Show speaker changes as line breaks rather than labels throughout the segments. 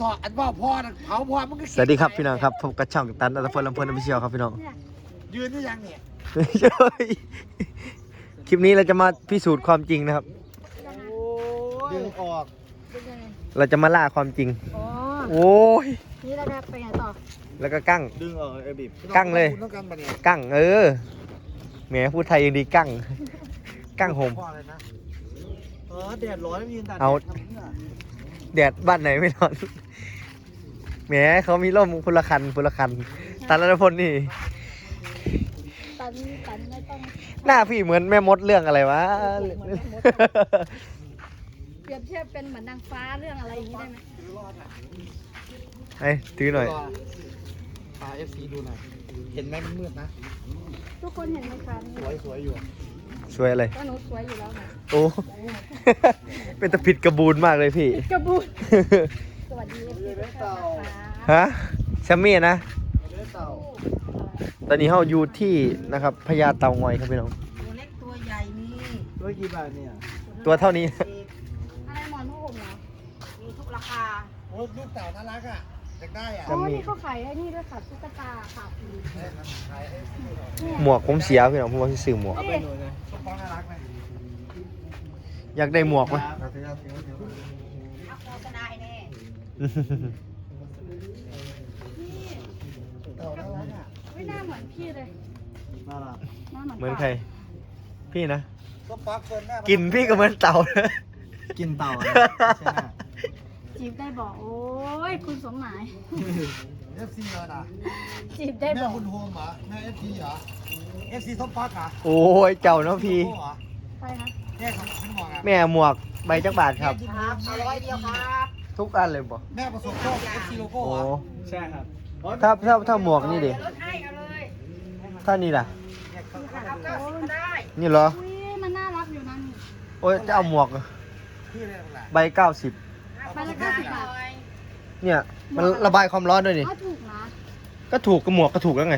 ต่ออันว่าพ่อเผาพ่อมันก็
สวัสดีครับพี่น้องครับพบกับช่องตันอัตพลลำเพลินอภิเชียวครับพี่น้อง
ยืนได้ยังเนี่ย
คลิปนี้เราจะมาพิสูจน์ความจริงนะครับ
ดึงออก
เราจะมาล่าความจริง
อ๋อ
โอ้ย
นี่เราจะไปไหนต่อ
แล้วก็กั้ง
ดึงออกไอ้บีบ
กั้งเลย
ต้องกันปะเนี่ย
กั้งแหมพูดไทยยังดีกั้ง กั้งโฮม
พ่ออะไรนะแดดร้อนไม่ยืนตาก
เอา แดดบ้านไหนไม่นอนแหมเขามีร่มพลคันตันรัตพลนี่
ตันไม่ต้อง
หน้าพี่เหมือนแม่มดเรื่องอะไรวะ
เปรียบเทียบเป็นเหมือนนางฟ้าเรื่องอะไรอย่างนี้ได้ไหม
ไอ้ถือหน่อย
พา FC ดูหน่อยเห็นไหมมันมืดนะ
ทุกคนเห็นไหมคะ
สวยอยู่
สวยอะไร
ก็หนูสวยอยู่แล้วนะ
โอ้ เป็นตะผิดกระบูนมากเลยพี่
กระบุนสวัสดีทุกท่านนะคะ
ฮะแซมมี่นะ ตอนนี้เราอยู่ที่นะครับพญาเต่างอยครับพี่น้อง
ตัวเล็กตัวใหญ่มี
ด้วยกี่บาทเนี่ย
ตัวเท่านี้
อะไรหมอนผ้าห่มเหรอ
มีทุกราคา
โอ้ลูกเต่าน่ารักอ่ะอยากได้อ่ะ
อ๋อนี่เขาขายไอ้นี่ด้วยค่ะตุ๊กตาค่ะ
หมวกผมเสียพี่น้องผมว่าที่ซื้อหมวก
เอาไปหน่อยเลยต้นฟ้าน่ารักไหม
อยากได้หมวกไหม
เอาถือ
เอาโฆษณาให้แน่
เต่าน่ารักอ่ะ
ไม่น่าเหมือนพี่เลย
น่ารัก
หน้าเหมือน
เหมือนใคร พี่นะ
ต้นฟ้าเฟิร์นแม่
กินพี่ก็เหมือนเต่านะ
กินเต่าใช่ไหม
จีบได้บอกโอ้ยคุณสมหมาย
FC เหรอนะ
จีบได้
แม่
บอก
คุณโฮมเหรอแม่ FC เหรอ FC ต้นฟ้าเหรอ
โอ้ยเจ้าเนาะพี่
ใช่คะ
แม่ของคุณหมออ่ะ
แม่หมวกใบจักบาทครับ
ครับเอา100เดียวครับ
ทุกอันเลยบ่
แม่ประสบโชค FC โลโก้
โอ้
เหรอใช่ครับ
ถ้าหมวกนี่ดิ
ลดให้เอาเลย
ถ้านี่ล่ะ
เอา90ก็ได้
นี่เหรอ
อุ้ยมันน่ารักอยู่นะนี่
โอ้ยจะเอาหมวก
พี่เรียกอะไร
ใบ90
ใบละ90 บาท
เนี่ยมันระบายความร้อนด้วยนี่
อ้าวถูกนะ
ก็ถูกกับหมวกก็ถูกแล้วไง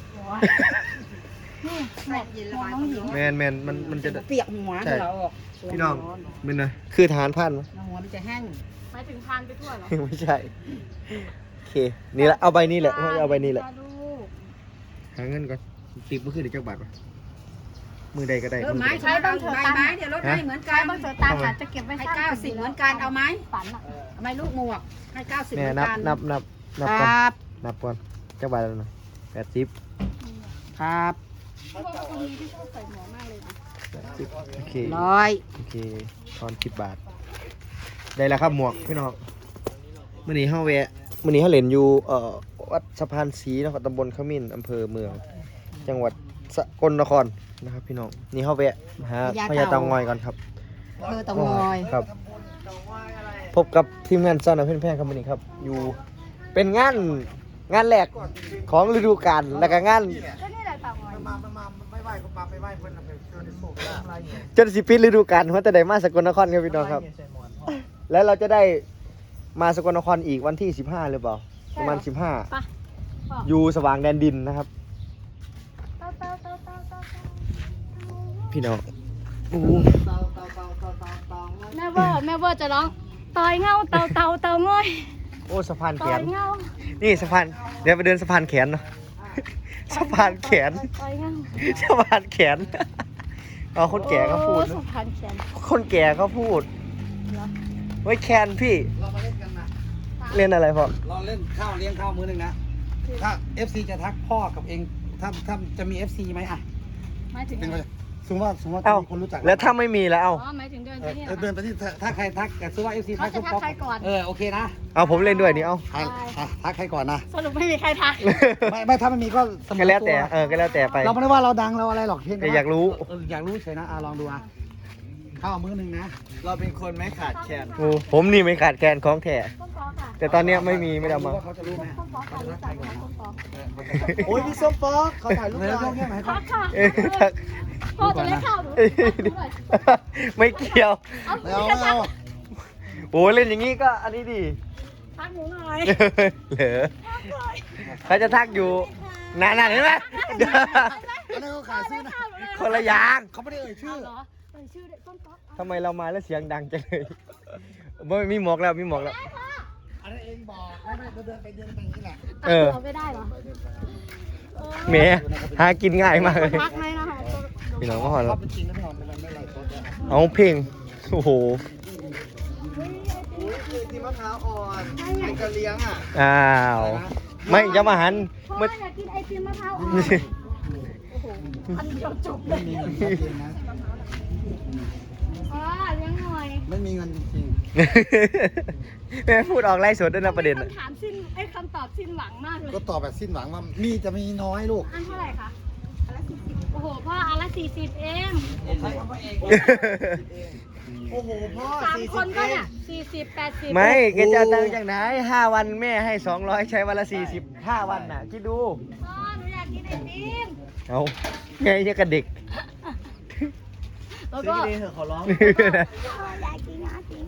นี่หมวกน้องหญิง
แมนมันจะ
เปียกหัว
ใช่
เราออก
พี่น้องเป็นไงคือทหารพันไหม
หัวมันจะแห้ง
หมายถึงพานไปทั่วเหรอ
ไม่ใช่โอเคนี่แหละเอาใบนี้แหละเอาใบนี้แหละ
ลูก
หาเงินก่อนติดเมื่อคืนเดี๋ยวจักบาทก่อนมือใดก็ได้
เออไม้ใช้บ้างเถอะไม้เดี๋ยวลดให้เหมือน
ใช้
กัน
บางเสือตามอาจจะเก็บไว้
ให้
สร้าง
90เหมือนกันเอาไหม
ฝันอ่ะ
เอาไหมลูกหมวกให้90เห
แม่
มือน
นับ
กัน
นับ
ค
ก่อน
รับ
นับก่อนจักบาทแล้วนะ80
ครับ
พวกคนนี้ที่ชอบใส่หมวกมากเลยนะ
80โอเค
100
โอเคทอน10 บาท ได้แล้วครับหมวกพี่น้องมื้อนี้เฮาแวะมื้อนี้เฮาเล่นอยู่วัดสะพานศรีนครตำบลขมิ้นอำเภอเมือง จังหวัดสกลนครนะครับพี่น้องนี่เฮาแวะหาพญาเต่างอยก่อนครับ
เธอต้องงอย
ครับ พบกับทีมงานซ่อนเอาเพื่อนแพร่ครับวันนี้ครับ อยู่เป็นงานแรกของฤดูกาลแล้วก็งาน
ก็นี่แหละต่างวัย
มาไม่ไหวก็มาไม่ไหวเพิ่นเอาไปเชิญในโศกได้อะไรเนี่ย
จนสิปิดฤดูกาลเพราะแต่ได้มาสกลนครครับพี่น้องครับ แล้วเราจะได้มาสกลนครอีกวันที่15หรือเปล่าประมาณ
ไป
15อยู่สว่างแดนดินนะครับ
เต้าเต้าเต้าเต้าเต้า
พี่น้องอู้
แม่เวอร์จะร้องต่อยเงาเต่าเต่าเต่าง่อย
โอ้สะพานแข
ต่อน ยเงา
นี่สะพานเดี๋ยวไปเดินสะพานแขนเนาะ สะพานแขน
ต่อยเงา
สะพานแขนเอาคนแก่เขาพูด
โอ้สะพานแขน
คนแก่เขาพูด
เหรอ
ไว้แคนพี่
เรามาเล่นกันนะ
เล่นอะไรพ่อ
เราเล่นข้าวเลี้ยงข้าวมื้อหนึงนะถ้า FC จะทักพ่อกับเองถ้าจะมี FC ไหมอ่ะ
หมายถึง
เป็น
อะ
ไป
ไร
สมมติว่าจะ
เอ้า
มีคนรู้จัก
แล้วถ้าไม่มีแล้วเอา
อ๋อหมายถึงเดินไปนี่เหรอ
เดินไปที่ถ้าใครทักแต่สมมติว่า FC ทัก
เขาจะทักใครก่อน
โอเคนะ
เอาผมเล่นด้วยนี่เอา
ทักใครก่อนนะ
สรุปไม่มีใครทัก
ไม่ถ้าไม่มีก็เสม
ก็
อ
แล้วแต่
ตัว
ก็แล้วแต่ไป
เราไม่ได้ว่าเราดังเราอะไรหรอกเพียง
แต่อยากรู้
อยากรู้เฉยนะลองดูอ่ะข้าวมื้อหนึงนะ
เราเป็นคนไม่ขาดแคลน
โอ้ผมนี่ไม่ขาดแคลนของแท้
ต้นฟอค่ะ
แต่ตอนเนี้ยไม่มีไม่ได้เอามา
ว่าเขาจะรู้ไหม
ต้นฟอค่ะรู้จักไหมต้นฟอ
โอ้ยพี่ส้มป๊อกเขาถ่ายรูป
เดี๋ยว
หน่
เดี๋
อย
วยไหน
ทักค่ะ
เอ้ยทัก
พ่อจะเล่นข้าวหนู
เอ้ยไม่เกี่ยว
เอา
ไม่เอาไม่เอา
โอ้เล่นอย่างนี้ก็อันนี้ดิ
ทักหนูหน่อย
เหรอเขาจะทักอยู่นานๆเห็นไหม
อันนี้เขาขายซื้อนะ
คนละอย่าง
เขาไม่ได้เอ่ยชื่อ
เหรอเอ่ยชื่อเด็กต้นฟอ
ทำไมเรามาแล้วเสียงดังจังเลยไม่มีหมวกแล้วมีหมวกแล้ว
อันให้เองบอกไม่เดินไปอย่างนี้แหละ
ตัดตัวไม่ได้เหรอ
แหมหากินง่ายมากเลย
รักไหมนะคะ
พี่น้องก็หอน
ช
แล้
อ
ว
บจริงนะพี่หอมเป็นอะไรไม่ไรโต๊ะ
เอาเพลงโอ้โห
อุ้ยคือที่มะพร้าวอ่อนเป็นกระเลี้ยงอ่ะ
อ้าวไม่จะมาหัน
พ่อ
เมื่อ
อยากกินไอติมมะพร้าวอ่อนโอ้โหอันเดียวจบเล
ไม่
ย
มีเงินจริงนะ
อ๋อเลี้ยงหน่อย
ไม่มีเงินจริง
แม่พูดออกไล่สดด้วยนะประเด็น
คำถามสิ้นคำตอบสิ้นหวังมากเลย
ก็ตอบแบบสิ้นหวังว่ามีจะมีน้อยลูก
อันเท่าไหร่คะอันละ40โอ้โหพ่ออันละ40เอง
โอ้โหพ่อ
สาม
40
คนก็
เอ
เนี่
ง
ย40 80
ไม่แกจะเอาตังค์จากไหน5 วันแม่ให้200ใช้วันละ40 5 วันน่ะคิดดู
พ่อหนูอยากกินไอติม
เอาไงเนี่ยกับเด็ก
แล้ว
ซื้อ
ก็
ดีๆเถอะขอร้อง
พ่ออยากกินไอติม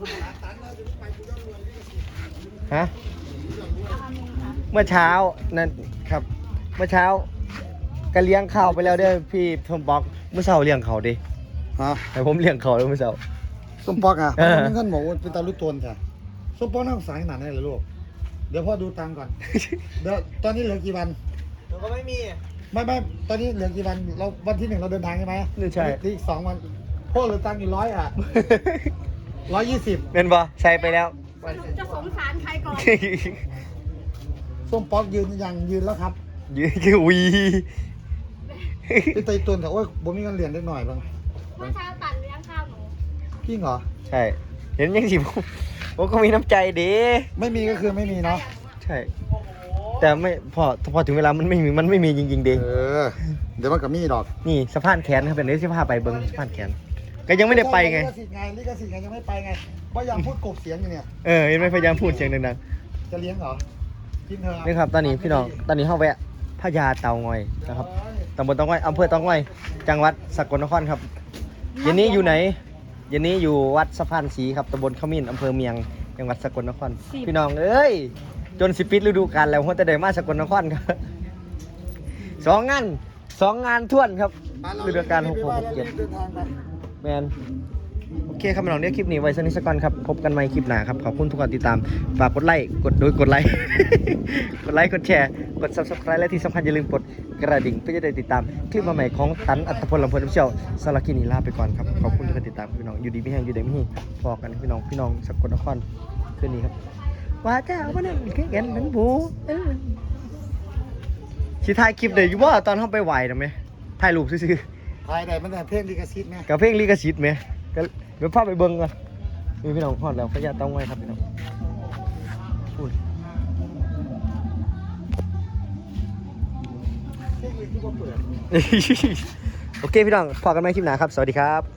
ฮะ
เอาอันหนึงค่ะ
เมื่อเช้านั่นครับ เมื่อเช้าก็เลี้ยงข้าวไปแล้วเด้อพี่ผมบอกเมื่อเช้าเลี้ยงเขาดิ
ฮะ
แต่ผมเลี้ยงเขาแล้วเมื่อเช้า
ส้มปอกอ่ะ
เออ
มีเงินบอกว่าเป็นตาลุกตนจ้ะส้มปอกน่าสงสารขนาดไหนเลยลูกเดี๋ยวพ่อดูตังค์ก่อนเดี๋ยวตอนนี้เหลือกี่วัน
หนูก็ไม่มี
ไม่ตอนนี้เหลือกี่วันเราวันที่ 1เราเดินทางใช่ไหม
นี่ใช่
เหลืออีก2 วันพ่อเหลือตังค์อยู่100 อ่ะ120
เป็นบอใส่ไปแล้ว
สรุปจะสงสารใครก่อน
ส้มปอกยืนแล้วครับ
ยืนคือวี
พี่ไตตุนแต่ว่าผมมีเงินเหรียญได้หน่อยบ้าง
เมื่อเช้าตัดเลี้ยงข้าวหนู
จริงเหรอ
ใช่ เห็นยังสิผมก็มีน้ำใจดี
ไม่มีก็คือไม่มีเนาะ
ใช่ แต่ไม่พอถึงเวลามันไม่มีจริงๆดี
เดี๋ยวมันกับมีดอก
นี่สะพานแขนครับเป็นเรื่องที่พาไปเบิ้งสะพานแขนก็ยังไม่ได้ไปไง
ลิขสิทธิ์ไงยังไม่ไปไงเพราะยังพูดกบเสียงอยู่เนี่ย
เห็นไหมพยายามพูดเสียงดัง
จะเลี้ยงเหรอกินเถอะ
ๆนี่ครับตอนนี้พี่น้องตอนนี้เข้าแวะพญาเตางอยนะครับตำบลเตางอยอำเภอเตางอยจังหวัดสกลนครครับเย็นนี้อยู่ไหนเย็นนี้อยู่วัดสะพานศรีครับตำบลขมิ้นอำเภอเมียงจังหวัดสกลนครพี่น้องเอ้ยจนสิปิดฤดูกาลแล้วหัวแต่ได้มาสกลนครครับสองงานท่วนครับฤดูกาล6 6 7
เดินทางไป
แมนโอเคครับพี่น้องเดี๋ยวคลิปนี้ไว้สักนิดสักก่อนครับพบกันใหม่คลิปหน้าครับขอบคุณทุกคนติดตามฝากกดไลค์กดไลค์ กดไลค์กดแชร์กด subscribe และที่สำคัญอย่าลืมกดกระดิ่งเพื่อจะได้ติดตามคลิปใหม่ๆของตันอัตพลลำเพลินเชียวสารบคลิปนี้ลาไปก่อนครับขอบคุณทุกคนติดตามพี่น้องอยู่ดีไม่แห้งอยู่ดีไม่แห้งพอกันพี่น้องสกลนครคืนนี้ครับว่าเจ้าวันนั้นแข่งกันนั้นบูสิถ่ายคลิปเดี๋ยวอยู่ว่าตอนเข้าไปไหวนะไหมถ่ายรูปซื่อๆ
ภายในมันแต่เพลงลิขสิทธิ์ไหม
กับเพลงลิขสิทธิ์ไหมก็เดี๋ยวพาไปเบิ่งกันนี่พี่น้องฮอดแล้วพญาเตางอยครับพี่น้องพูด โอเคพี่น้องพอกันไหมคลิปหน้าครับสวัสดีครับ